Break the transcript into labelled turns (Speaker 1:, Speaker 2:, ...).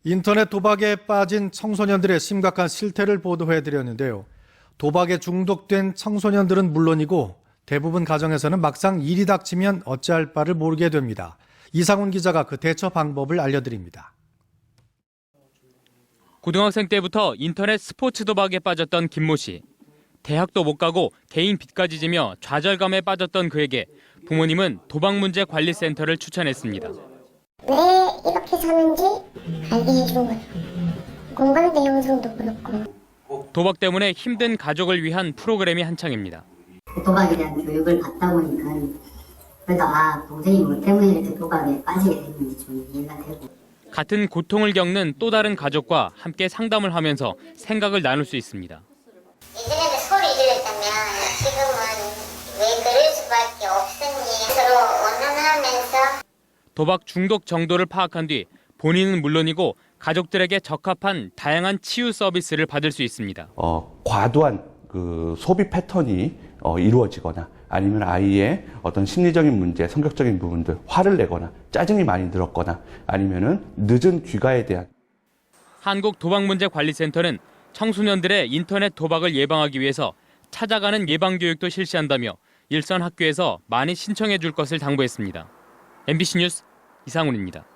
Speaker 1: 인터넷 도박에 빠진 청소년들의 심각한 실태를 보도해드렸는데요. 도박에 중독된 청소년들은 물론이고 대부분 가정에서는 막상 일이 닥치면 어찌할 바를 모르게 됩니다. 이상훈 기자가 그 대처 방법을 알려드립니다.
Speaker 2: 고등학생 때부터 인터넷 스포츠 도박에 빠졌던 김모 씨. 대학도 못 가고 개인 빚까지 지며 좌절감에 빠졌던 그에게 부모님은 도박문제관리센터를 추천했습니다.
Speaker 3: 왜 이렇게 사는지 알게 해준 거예요. 공감대 영상도 그렇고.
Speaker 2: 도박 때문에 힘든 가족을 위한 프로그램이 한창입니다.
Speaker 4: 도박에 대한 교육을 받다 보니까 그래도 동생이 뭐 때문에 이렇게 도박에 빠지게 됐는지 좀 이해가 되고.
Speaker 2: 같은 고통을 겪는 또 다른 가족과 함께 상담을 하면서 생각을 나눌 수 있습니다.
Speaker 3: 예전에는 소리 질렀다면 지금은 왜 그럴 수밖에 없으니 서로 원한하면서.
Speaker 2: 도박 중독 정도를 파악한 뒤 본인은 물론이고 가족들에게 적합한 다양한 치유 서비스를 받을 수 있습니다.
Speaker 5: 과도한 그 소비 패턴이 이루어지거나 아니면 아이의 어떤 심리적인 문제, 성격적인 부분들, 화를 내거나 짜증이 많이 들었거나 아니면은 늦은 귀가에 대한
Speaker 2: 한국도박문제관리센터는 청소년들의 인터넷 도박을 예방하기 위해서 찾아가는 예방교육도 실시한다며 일선 학교에서 많이 신청해 줄 것을 당부했습니다. MBC 뉴스 이상훈입니다.